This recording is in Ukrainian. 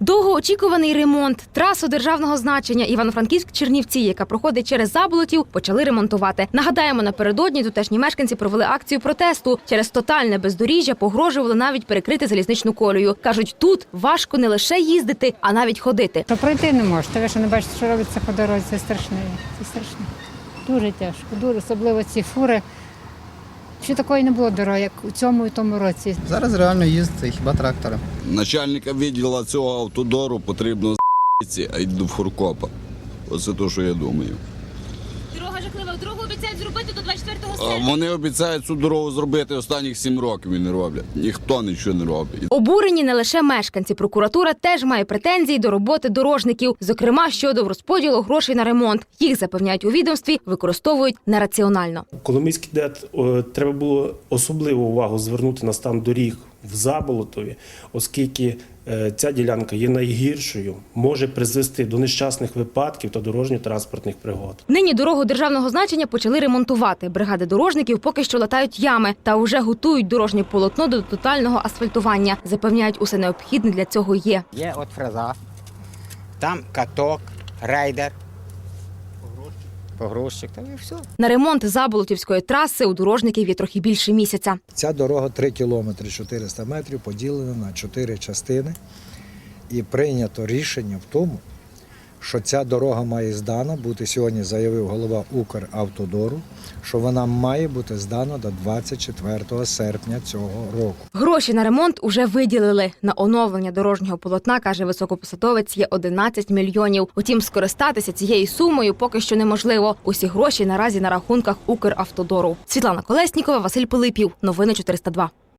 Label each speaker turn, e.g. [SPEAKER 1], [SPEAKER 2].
[SPEAKER 1] Довгоочікуваний ремонт. Трасу державного значення Івано-Франківськ-Чернівці, яка проходить через Заболотів, почали ремонтувати. Нагадаємо, напередодні тутешні мешканці провели акцію протесту. Через тотальне бездоріжжя погрожували навіть перекрити залізничну колію. Кажуть, тут важко не лише їздити, а навіть ходити.
[SPEAKER 2] То пройти не можете. Ви що не бачите, що робиться по дорозі? Це страшне. Це страшно. Дуже тяжко. Дуже, особливо ці фури. Ще такої не було дороги, як у цьому і тому році.
[SPEAKER 3] Зараз реально їздити хіба трактори.
[SPEAKER 4] Начальника відділу цього автодору потрібно з***ці, а йду в Хуркопа. Оце те, що я думаю.
[SPEAKER 1] Дорога жахлива. Дорогу обіцяють зробити до 24 серпня.
[SPEAKER 4] Вони обіцяють цю дорогу зробити останніх 7 років і не роблять. Ніхто нічого не робить.
[SPEAKER 1] Обурені не лише мешканці. Прокуратура теж має претензії до роботи дорожників, зокрема щодо розподілу грошей на ремонт. Їх, запевняють у відомстві, використовують нераціонально.
[SPEAKER 5] Коломийський ДЕТ треба було особливу увагу звернути на стан доріг в Заболотові, оскільки ця ділянка є найгіршою, може призвести до нещасних випадків та дорожньо-транспортних пригод.
[SPEAKER 1] Нині дорогу державного значення почали ремонтувати. Бригади дорожників поки що латають ями та вже готують дорожнє полотно до тотального асфальтування. Запевняють, усе необхідне для цього є.
[SPEAKER 6] Є от фреза, там каток, рейдер, погрузчик, там і все.
[SPEAKER 1] На ремонт Заболотівської траси у дорожників є трохи більше місяця.
[SPEAKER 7] Ця дорога 3 кілометри 400 метрів поділена на 4 частини. І прийнято рішення в тому, що ця дорога має здана бути, сьогодні заявив голова Укравтодору, що вона має бути здана до 24 серпня цього року.
[SPEAKER 1] Гроші на ремонт уже виділили. На оновлення дорожнього полотна, каже високопосадовець, є 11 мільйонів. Утім, скористатися цією сумою поки що неможливо. Усі гроші наразі на рахунках Укравтодору. Світлана Колеснікова, Василь Пилипів. Новини 402.